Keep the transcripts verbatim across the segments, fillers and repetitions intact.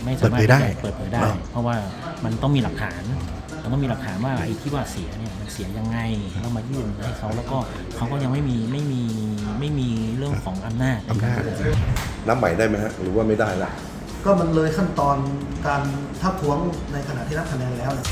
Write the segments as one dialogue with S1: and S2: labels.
S1: ไม่สามารถที่จะเปิดเผยได้เพราะว่ามันต้องมีหลักฐานมันต้องมีหลักฐานว่าไอ้ที่ว่าเสียเนี่ยมันเสียยังไงแล้วมายื่นให้เขาแล้วก็เขาก็ยังไม่มีไม่มีไม่มีเรื่องของอำนาจ
S2: อำนาจ
S3: นับใหม่ได้ไหมฮะหรือว่าไม่ได้ละ
S4: ก็มันเลยขั้นตอนการทักท้วงในขณะที่นับคะแนนแล้วนะ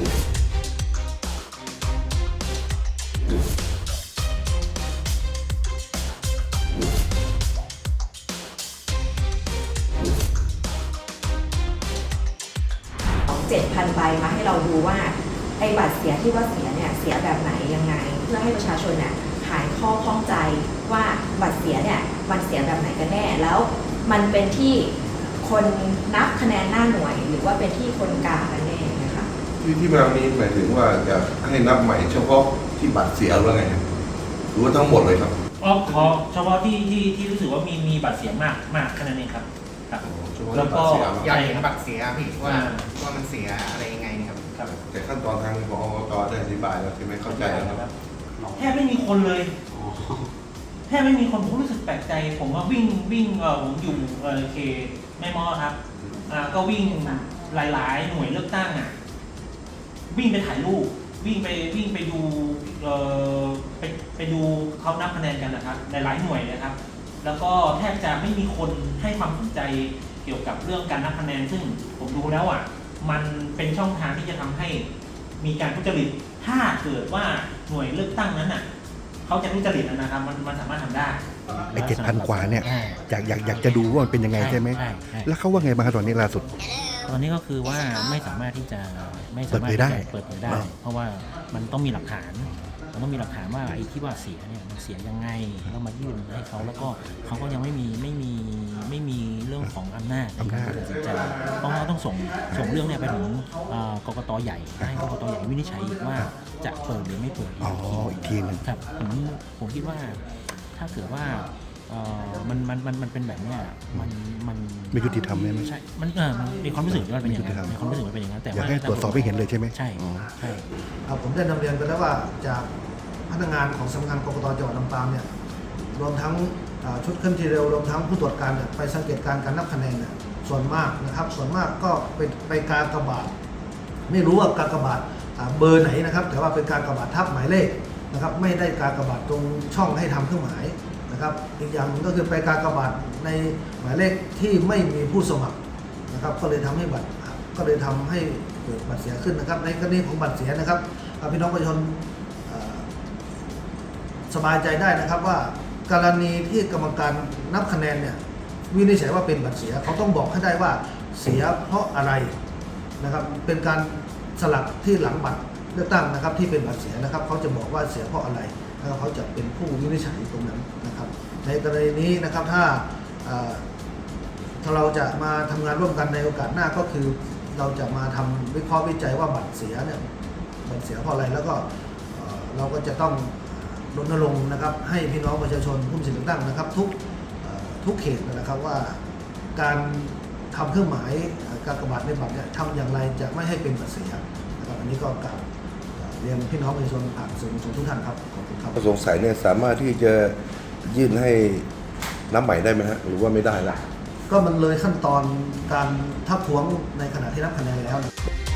S5: เจ็ดพันใบมาให้เราดูว่าไอ้บัตรเสียที่ว่าเสียเนี่ยเสียแบบไหนยังไงเพื่อให้ประชาชนเนี่ยหายข้อข้องใจว่าบัตรเสียเนี่ยมันเสียแบบไหนกันแน่แล้วมันเป็นที่คนนับคะแนนหน้าหน่วยหรือว่าเป็นที่คนกลางกันแน่นะคะ
S3: ที่ที่มานี้หมายถึงว่าจะให้นับใหม่เฉพาะที่บัตรเสียหรือไงหรือว่าทั้งหมดเลยครับ
S1: อ๋อขอเฉพาะที่ที่ที่รู้สึกว่ามีมีบัตรเสียมากมากแค่นั้นเองครับแล้วก็
S6: อยากเห็นบัตรเสียพี่ว่าว่ามันเสียอะไรยังไงครับ
S3: แต่ขั้นตอนทางของอบตได้อธิบายแล้วใช่ไหมเข้าใจแล้วครับ
S1: แทบไม่มีคนเลยแทบไม่มีคนผมรู้สึกแปลกใจผมว่าวิ่งวิ่งเออผมอยู่เออเคแม่มอครับอ่าก็วิ่งหลายๆหน่วยเลือกตั้งอ่ะวิ่งไปถ่ายรูปวิ่งไปวิ่งไปดูเออไปไปดูเขานับคะแนนกันนะครับหลายๆหน่วยนะครับแล้วก็แทบจะไม่มีคนให้ความสนใจเกี่ยวกับเรื่องการนับคะแนนซึ่งผมดูแล้วอ่ะมันเป็นช่องทางที่จะทำให้มีการทุจริตถ้าเกิดว่าหน่วยเลือกตั้งนั้นอ่ะเขาจะทุจริตนะครับมันมันสามารถทำได้
S2: ไอ้เจ็ดพันกว่าเนี่ยอยากอยากอยากจะดูว่ามันเป็นยังไงใช่ไหมแล้วเขาว่าไงบ้างตอนนี้ล่าสุด
S1: ตอนนี้ก็คือว่าไม่สามารถที่จะไม่สามารถที่จะเปิดเผยได้เพราะว่ามันต้องมีหลักฐานมันต้องมีหลักฐานว่าไอ้ที่ว่าเสียเนี่ยมันเสียยังไงแล้วมายื่นให้เขาแล้วก็เขาก็ยังไม่มีไม่มีไม่มีเรื่องของอำนาจในการตัดสินใจเพราะว่าต้องส่งส่งเรื่องเนี่ยไปถึงกกตใหญ่ให้กกตใหญ่วินิจฉัยว่าจะเปิดหรือไม่เปิด
S2: อ๋ออีกทีนึง
S1: ครับผมผมคิดว่าถ้าเกิดว่ามันมันมันมันเป็นแบบเนี้ยมันมัน
S2: ไม่ยุติธรรมใช่ไหม
S1: ใช่มันเออมันมีความรู้สึกว่าเป็นอย่างนั้นมีความรู้สึกว่าเป็นอย่างนั้นแต่
S2: อยากให้ตรวจสอบให้เห็นเลยใช่ไหม
S1: ใช่ใช่
S4: ผมได้นำเรียนไปแล้วว่าจากพนักงานของสำนักงานกกตจังหวัดลำปางเนี่ยรวมทั้งชุดเคลื่อนที่เร็วรวมทั้งผู้ตรวจการเนี่ยไปสังเกตการการนับคะแนนเนี่ยส่วนมากนะครับส่วนมากก็เป็นไปการกระบาดไม่รู้ว่าการกระบาดเบอร์ไหนนะครับแต่ว่าเป็นการกระบาดทับหมายเลขนะครับไม่ได้การกระบาดตรงช่องให้ทำเครื่องหมายนะครับอีกอย่างนึงก็คือไปการกระบาดในหมายเลขที่ไม่มีผู้สมัครนะครับก็เลยทำให้บัตรก็เลยทำให้เกิดบัตรเสียขึ้นนะครับในกรณีของบัตรเสียนะครับพี่น้องประชาชนสบายใจได้นะครับว่ากรณีที่กรรมการนับคะแนนเนี่ยวินิจฉัยว่าเป็นบัตรเสียเขาต้องบอกให้ได้ว่าเสียเพราะอะไรนะครับเป็นการสลักที่หลังบัตรเลือกตั้งนะครับที่เป็นบัตรเสียนะครับเขาจะบอกว่าเสียเพราะอะไรแล้วเขาจะเป็นผู้วินิจฉัยตรงนั้นนะครับในกรณีนี้นะครับถ้าถ้าเราจะมาทำงานร่วมกันในโอกาสหน้าก็คือเราจะมาทำวิเคราะห์วิจัยว่าบัตรเสียเนี่ยบัตรเสียเพราะอะไรแล้วก็เราก็จะต้องรณรงค์นะครับให้พี่น้องประชาชนผู้มีสิทธิเลือกตั้งนะครับทุกทุกเขตนะครับว่าการทำเครื่องหมายการกระบาดในบัตรเนี่ยทำอย่างไรจะไม่ให้เป็นบัตรเสียนะครับอันนี้ก็กล่าวเรียนพี่น้องประชาชนผ่านสื่อมวลชนทุกท่านครับขอบคุณครับ
S3: สงสัยเนี่ยสามารถที่จะยื่นให้นับใหม่ได้ไหมฮะหรือว่าไม่ได้ละ
S4: ก็มันเลยขั้นตอนการทักท้วงในขณะที่นับคะแนนแล้ว